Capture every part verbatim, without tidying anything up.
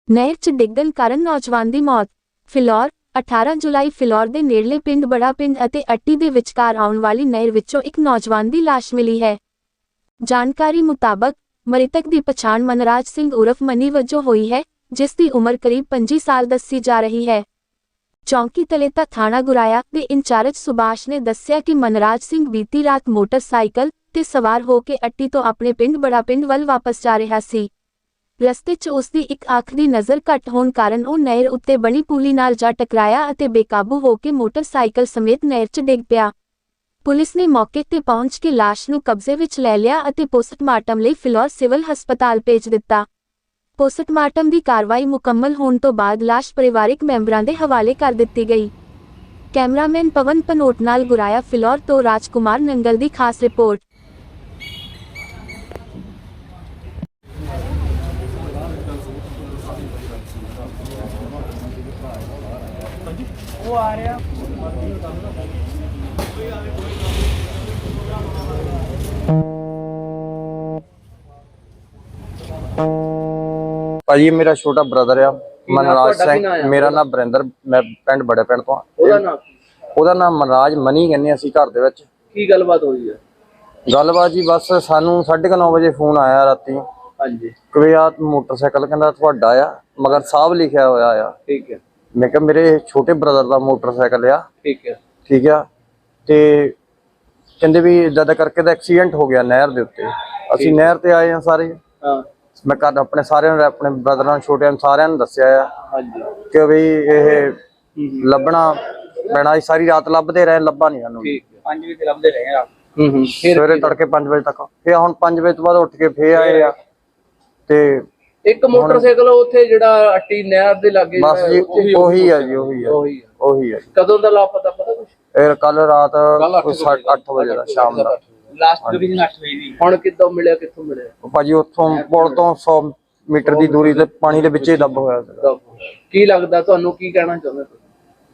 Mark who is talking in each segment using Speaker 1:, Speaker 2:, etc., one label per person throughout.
Speaker 1: ਨਹਿਰ 'ਚ ਡਿੱਗਣ ਕਾਰਨ ਨੌਜਵਾਨ ਦੀ ਮੌਤ। ਫਿਲੌਰ ਅਠਾਰਾਂ ਜੁਲਾਈ ਫਿਲੌਰ ਦੇ ਨੇੜਲੇ ਪਿੰਡ ਬੜਾ ਪਿੰਡ ਅਤੇ ਅੱਟੀ ਦੇ ਵਿਚਕਾਰ ਆਉਣ ਵਾਲੀ ਨਹਿਰ ਵਿੱਚੋਂ ਇੱਕ ਨੌਜਵਾਨ ਦੀ ਲਾਸ਼ ਮਿਲੀ ਹੈ। ਜਾਣਕਾਰੀ ਮੁਤਾਬਕ ਮ੍ਰਿਤਕ ਦੀ ਪਛਾਣ ਮਨਰਾਜ ਸਿੰਘ ਉਰਫ ਮਨੀ ਵਜੋਂ ਹੋਈ ਹੈ, ਜਿਸ ਦੀ ਉਮਰ ਕਰੀਬ ਪੰਜੀ ਸਾਲ ਦੱਸੀ ਜਾ ਰਹੀ ਹੈ। ਚੌਂਕੀ ਤਲੇਤਾ ਥਾਣਾ ਗੁਰਾਇਆ ਦੇ ਇੰਚਾਰਜ ਸੁਭਾਸ਼ ਨੇ ਦੱਸਿਆ ਕਿ ਮਨਰਾਜ ਸਿੰਘ ਬੀਤੀ ਰਾਤ ਮੋਟਰਸਾਈਕਲ ਤੇ ਸਵਾਰ ਹੋ ਕੇ ਅੱਟੀ ਤੋਂ ਆਪਣੇ ਪਿੰਡ ਬੜਾ ਪਿੰਡ ਵੱਲ ਵਾਪਸ ਜਾ ਰਿਹਾ ਸੀ। ਰਸਤੇ 'ਚ ਉਸ ਦੀ ਇੱਕ ਅੱਖ ਦੀ ਨਜ਼ਰ ਘੱਟ ਹੋਣ ਕਾਰਨ ਉਹ ਨਹਿਰ ਉੱਤੇ ਬਣੀ ਪੁਲੀ ਨਾਲ ਜਾ ਟਕਰਾਇਆ ਅਤੇ ਬੇਕਾਬੂ ਹੋ ਕੇ ਮੋਟਰਸਾਈਕਲ ਸਮੇਤ ਨਹਿਰ 'ਚ ਡਿੱਗ ਪਿਆ। ਪੁਲਿਸ ਨੇ ਮੌਕੇ 'ਤੇ ਪਹੁੰਚ ਕੇ ਲਾਸ਼ ਨੂੰ ਕਬਜ਼ੇ ਵਿੱਚ ਲੈ ਲਿਆ ਅਤੇ ਪੋਸਟਮਾਰਟਮ ਲਈ ਫਿਲੌਰ ਸਿਵਲ ਹਸਪਤਾਲ ਭੇਜ ਦਿੱਤਾ। ਪੋਸਟਮਾਰਟਮ ਦੀ ਕਾਰਵਾਈ ਮੁਕੰਮਲ ਹੋਣ ਤੋਂ ਬਾਅਦ ਲਾਸ਼ ਪਰਿਵਾਰਕ ਮੈਂਬਰਾਂ ਦੇ ਹਵਾਲੇ ਕਰ ਦਿੱਤੀ ਗਈ। ਕੈਮਰਾਮੈਨ ਪਵਨ ਪਨੋਟ ਨਾਲ ਗੁਰਾਇਆ ਫਿਲੌਰ ਤੋਂ ਰਾਜਕੁਮਾਰ ਨੰਗਲ ਦੀ ਖਾਸ ਰਿਪੋਰਟ।
Speaker 2: वो आ रहा
Speaker 3: ਭਾਜੀ ਮੇਰਾ ਛੋਟਾ ਬ੍ਰਦਰ ਆ ਮਨਰਾਜ ਸਿੰਘ। ਮੇਰਾ ਨਾਮ ਬਰਿੰਦਰ, ਮੈਂ ਪਿੰਡ ਬੜੇ ਪਿੰਡ ਤੋਂ।
Speaker 2: ਉਹਦਾ ਨਾਮ
Speaker 3: ਉਹਦਾ ਨਾਮ ਮਨਰਾਜ ਮਨੀ ਕਹਿੰਦੇ ਅਸੀਂ ਘਰ ਦੇ ਵਿੱਚ।
Speaker 2: ਕੀ ਗੱਲਬਾਤ ਹੋਈ ਹੈ?
Speaker 3: ਗੱਲਬਾਤ ਜੀ ਬਸ ਸਾਨੂੰ ਸਾਢੇ ਕੁ ਨੌ ਵਜੇ ਫੋਨ ਆਇਆ ਰਾਤੀ।
Speaker 2: ਹਾਂਜੀ
Speaker 3: ਕਿ ਆ ਮੋਟਰਸਾਈਕਲ ਕਹਿੰਦਾ ਤੁਹਾਡਾ ਆ, ਮਗਰ ਸਾਹਿਬ ਲਿਖਿਆ ਹੋਇਆ ਆ।
Speaker 2: ਠੀਕ ਹੈ।
Speaker 3: ਮੈਂ ਕਿਹਾ ਮੇਰੇ ਛੋਟੇ ਬ੍ਰਦਰ ਦਾ ਮੋਟਰਸਾਈਕਲ ਆ।
Speaker 2: ਠੀਕ ਹੈ
Speaker 3: ਠੀਕ ਆ। ਤੇ ਕਹਿੰਦੇ ਵੀ ਇਦਾਂ ਦਾ ਕਰਕੇ ਦਾ ਐਕਸੀਡੈਂਟ ਹੋ ਗਿਆ ਨਹਿਰ ਦੇ ਉੱਤੇ। ਅਸੀਂ ਨਹਿਰ ਤੇ ਆਏ ਆ ਸਾਰੇ।
Speaker 2: ਹਾਂ
Speaker 3: ਮੈਂ ਘਰ ਆਪਣੇ ਸਾਰਿਆਂ ਨੂੰ, ਆਪਣੇ ਬ੍ਰਦਰਾਂ ਛੋਟਿਆਂ ਨੂੰ ਸਾਰਿਆਂ ਨੂੰ ਦੱਸਿਆ ਆ
Speaker 2: ਹਾਂਜੀ
Speaker 3: ਕਿ ਵੀ ਇਹ ਲੱਭਣਾ ਪੈਣਾ। ਸਾਰੀ ਰਾਤ ਲੱਭਦੇ ਰਹੇ, ਲੱਭਾ ਨਹੀਂ ਸਾਨੂੰ।
Speaker 2: ਠੀਕ ਹੈ। ਪੰਜ ਵਜੇ ਲੱਭਦੇ ਰਹੇ ਆ। ਹੂੰ ਹੂੰ
Speaker 3: ਸਵੇਰੇ ਤੜਕੇ ਪੰਜ ਵਜੇ ਤੱਕ। ਫਿਰ ਹੁਣ ਪੰਜ ਵਜੇ ਤੋਂ ਬਾਅਦ ਉੱਠ ਕੇ ਫੇਰ ਆਏ ਆ। ਤੇ
Speaker 2: ਇੱਕ ਮੋਟਰਸਾਈਕਲ ਉੱਥੇ ਜਿਹੜਾ ਅੱਟੀ ਨਹਿਰ ਦੇ ਲਾਗੇ
Speaker 3: ਬਸ ਜੀ ਉਹੀ ਆ ਜੀ, ਉਹੀ ਆ
Speaker 2: ਉਹੀ ਆ
Speaker 3: ਉਹੀ ਆ।
Speaker 2: ਕਦੋਂ ਦਾ ਲਾਪਤਾ ਪਤਾ ਕੁਛ?
Speaker 3: ਇਹ ਕੱਲ ਰਾਤ ਅੱਠ ਵਜੇ ਦਾ, ਸ਼ਾਮ ਦਾ।
Speaker 2: ਲਾਸਟ ਲੋਕੇਸ਼ਨ ਅੱਠ ਵਜੇ ਦੀ। ਹੁਣ ਕਿੱਦਾਂ ਮਿਲਿਆ, ਕਿੱਥੋਂ ਮਿਲਿਆ?
Speaker 3: ਭਾਜੀ ਉੱਥੋਂ ਪੁਲ ਤੋਂ ਸੌ ਮੀਟਰ ਦੀ ਦੂਰੀ ਤੇ ਪਾਣੀ ਦੇ ਵਿੱਚ ਹੀ ਦੱਬ ਹੋਇਆ ਸੀਗਾ।
Speaker 2: ਕੀ ਲੱਗਦਾ ਤੁਹਾਨੂੰ, ਕੀ ਕਹਿਣਾ ਚਾਹੁੰਦੇ ਤੁਸੀਂ?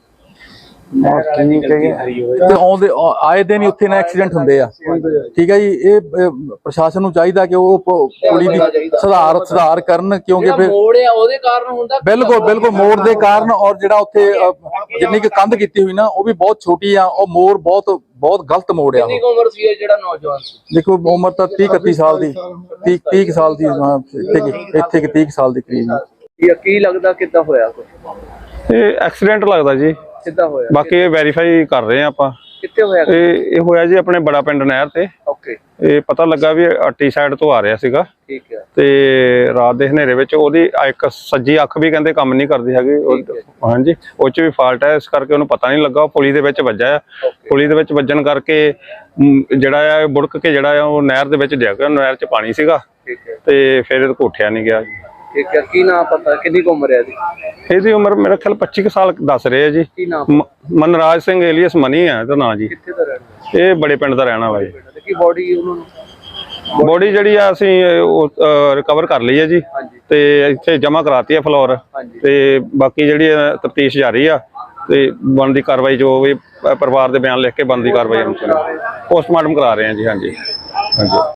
Speaker 4: ਤੇ ਆਉਂਦੇ ਆਏ ਦਿਨ ਹੀ ਉੱਥੇ ਨਾ ਐਕਸੀਡੈਂਟ ਹੁੰਦੇ ਆ। ਠੀਕ ਹੈ ਜੀ। ਇਹ ਪ੍ਰਸ਼ਾਸਨ ਨੂੰ ਚਾਹੀਦਾ ਕਿ ਉਹ ਪੁਲੀ ਦੀ ਸੁਧਾਰ ਸੁਧਾਰ ਕਰਨ, ਕਿਉਂਕਿ ਫਿਰ
Speaker 2: ਮੋੜ ਆ ਉਹਦੇ ਕਾਰਨ ਹੁੰਦਾ।
Speaker 4: ਬਿਲਕੁਲ ਬਿਲਕੁਲ ਮੋੜ ਦੇ ਕਾਰਨ। ਔਰ ਜਿਹੜਾ ਉੱਥੇ ਜਿੰਨੀ ਕੁ ਕੰਧ ਕੀਤੀ ਹੋਈ ਨਾ ਉਹ ਵੀ ਬਹੁਤ ਛੋਟੀ ਆ। ਉਹ ਮੋੜ ਬਹੁਤ ਬਹੁਤ ਗਲਤ ਮੋੜ ਆ।
Speaker 2: ਕਿੰਨੀ ਉਮਰ ਸੀ ਜਿਹੜਾ ਨੌਜਵਾਨ ਸੀ?
Speaker 4: ਦੇਖੋ ਉਮਰ ਤਾਂ ਤੀਹ ਇਕੱਤੀ ਸਾਲ ਦੀ, ਤੀਹ ਤੀਹ ਸਾਲ ਦੀ ਇੱਥੇ ਇੱਥੇ ਕਿ ਤੀਹ ਸਾਲ ਦੀ ਕਰੀਬ।
Speaker 2: ਕੀ ਲੱਗਦਾ ਕਿੱਦਾਂ ਹੋਇਆ ਕੁਝ?
Speaker 5: ਇਹ ਐਕਸੀਡੈਂਟ ਲੱਗਦਾ ਜੀ।
Speaker 2: ਕਿੱਦਾਂ ਹੋਇਆ?
Speaker 5: ਬਾਕੀ ਇਹ ਵੈਰੀਫਾਈ ਕਰ ਰਹੇ ਆ ਆਪਾਂ।
Speaker 2: ਕਿੱਥੇ ਹੋਇਆ?
Speaker 5: ਇਹ ਇਹ ਹੋਇਆ ਜੀ ਆਪਣੇ ਬੜਾ ਪਿੰਡ ਨਹਿਰ ਤੇ।
Speaker 2: ਓਕੇ।
Speaker 5: ਇਹ ਪਤਾ ਲੱਗਾ ਵੀ ਅੱਟੀ ਸਾਈਡ ਤੋਂ ਆ ਰਿਹਾ ਸੀਗਾ।
Speaker 2: ਠੀਕ ਹੈ।
Speaker 5: ਤੇ ਰਾਤ ਦੇ ਹਨੇਰੇ ਵਿੱਚ ਉਹਦੀ ਇੱਕ ਸੱਜੀ ਅੱਖ ਵੀ ਕਹਿੰਦੇ ਕੰਮ ਨਹੀਂ ਕਰਦੀ ਹੈਗੀ। ਹਾਂਜੀ ਉਹ 'ਚ ਵੀ ਫਾਲਟ ਹੈ, ਇਸ ਕਰਕੇ ਉਹਨੂੰ ਪਤਾ ਨਹੀਂ ਲੱਗਾ। ਉਹ ਪੁਲੀ ਦੇ ਵਿੱਚ ਵੱਜਾ ਆ। ਪੁਲੀ ਦੇ ਵਿੱਚ ਵੱਜਣ ਕਰਕੇ ਜਿਹੜਾ ਆ ਬੁੜਕ ਕੇ ਜਿਹੜਾ ਆ ਉਹ ਨਹਿਰ ਦੇ ਵਿੱਚ ਡਿੱਗ ਗਿਆ। ਨਹਿਰ 'ਚ ਪਾਣੀ ਸੀਗਾ।
Speaker 2: ਠੀਕ ਹੈ।
Speaker 5: ਤੇ ਫਿਰ ਇਹ ਉੱਠਿਆ ਨਹੀਂ ਗਿਆ ਜੀ।
Speaker 2: ਠੀਕ ਹੈ। ਕੀ ਨਾਮ ਪਤਾ, ਕਿੰਨੀ ਕੁ ਉਮਰ ਹੈ ਇਹਦੀ?
Speaker 5: ਇਹਦੀ ਉਮਰ ਮੇਰਾ ਖਿਆਲ ਪੱਚੀ ਕੁ ਸਾਲ ਦੱਸ ਰਹੇ ਆ ਜੀ।
Speaker 2: ਕੀ ਨਾਮ?
Speaker 5: ਮਨਰਾਜ ਸਿੰਘ ਏਲੀਅਸ ਮਨੀ ਹੈ ਇਹਦਾ ਨਾਂ ਜੀ।
Speaker 2: ਕਿੱਥੇ ਦਾ ਰਹਿਣਾ?
Speaker 5: ਇਹ ਬੜੇ ਪਿੰਡ ਦਾ ਰਹਿਣਾ ਵਾ ਜੀ।
Speaker 2: ਕੀ ਬੋਡੀ ਉਹਨਾਂ ਨੂੰ?
Speaker 5: ਬੋਡੀ ਜਿਹੜੀ ਆ ਅਸੀਂ ਰਿਕਵਰ ਕਰ ਲਈ ਹੈ ਜੀ। ਤੇ ਇੱਥੇ ਜਮ੍ਹਾਂ ਕਰਾਤੀ ਹੈ ਫਲੋਰ। ਤੇ ਬਾਕੀ ਜਿਹੜੀ ਤਫਤੀਸ਼ ਜਾਰੀ ਆ ਤੇ ਬਣਦੀ ਕਾਰਵਾਈ ਜੋ ਵੀ ਪਰਿਵਾਰ ਦੇ ਬਿਆਨ ਲਿਖ ਕੇ ਬਣਦੀ ਕਾਰਵਾਈ ਪੋਸਟਮਾਰਟਮ ਕਰਾ ਰਹੇ ਹਾਂ ਜੀ। ਹਾਂਜੀ ਹਾਂਜੀ।